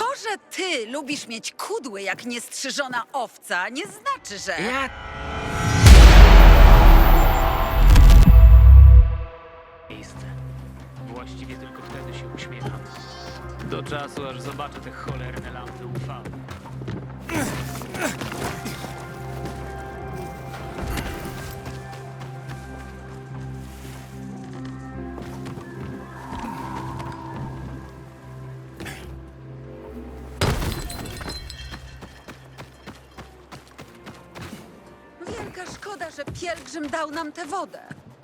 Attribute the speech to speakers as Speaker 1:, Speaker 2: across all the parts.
Speaker 1: To, że ty lubisz mieć kudły jak niestrzyżona owca, nie znaczy, że...
Speaker 2: Miejsce. Właściwie tylko wtedy się uśmiecham. Do czasu, aż zobaczę te cholerne lampy UV.
Speaker 1: Wielka szkoda, że pielgrzym dał nam tę wodę.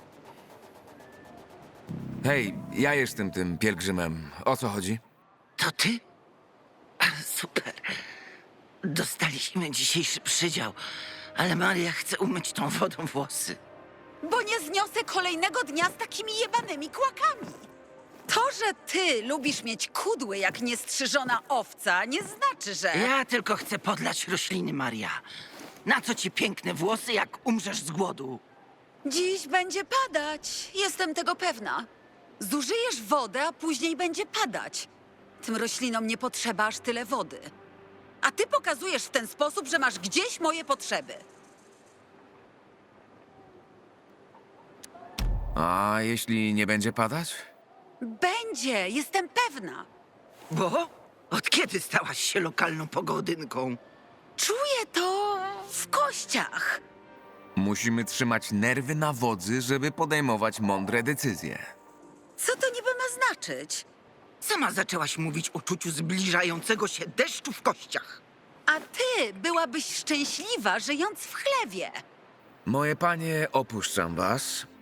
Speaker 3: Hej, ja jestem tym pielgrzymem. O co chodzi?
Speaker 4: To ty? Super. Dostaliśmy dzisiejszy przydział, ale Maria chce umyć tą wodą włosy.
Speaker 1: Bo nie zniosę kolejnego dnia z takimi jebanymi kłakami. To, że ty lubisz mieć kudły jak niestrzyżona owca, nie znaczy, że...
Speaker 4: Ja tylko chcę podlać rośliny, Maria. Na co ci piękne włosy, jak umrzesz z głodu?
Speaker 1: Dziś będzie padać. Jestem tego pewna. Zużyjesz wodę, a później będzie padać. Tym roślinom nie potrzeba aż tyle wody. A ty pokazujesz w ten sposób, że masz gdzieś moje potrzeby.
Speaker 3: A jeśli nie będzie padać?
Speaker 1: Będzie, jestem pewna.
Speaker 4: Bo? Od kiedy stałaś się lokalną pogodynką?
Speaker 1: Czuję to w kościach.
Speaker 3: Musimy trzymać nerwy na wodzy, żeby podejmować mądre decyzje.
Speaker 1: Co to niby ma znaczyć?
Speaker 4: Sama zaczęłaś mówić o czuciu zbliżającego się deszczu w kościach.
Speaker 1: A ty byłabyś szczęśliwa, żyjąc w chlewie.
Speaker 3: Moje panie, opuszczam was.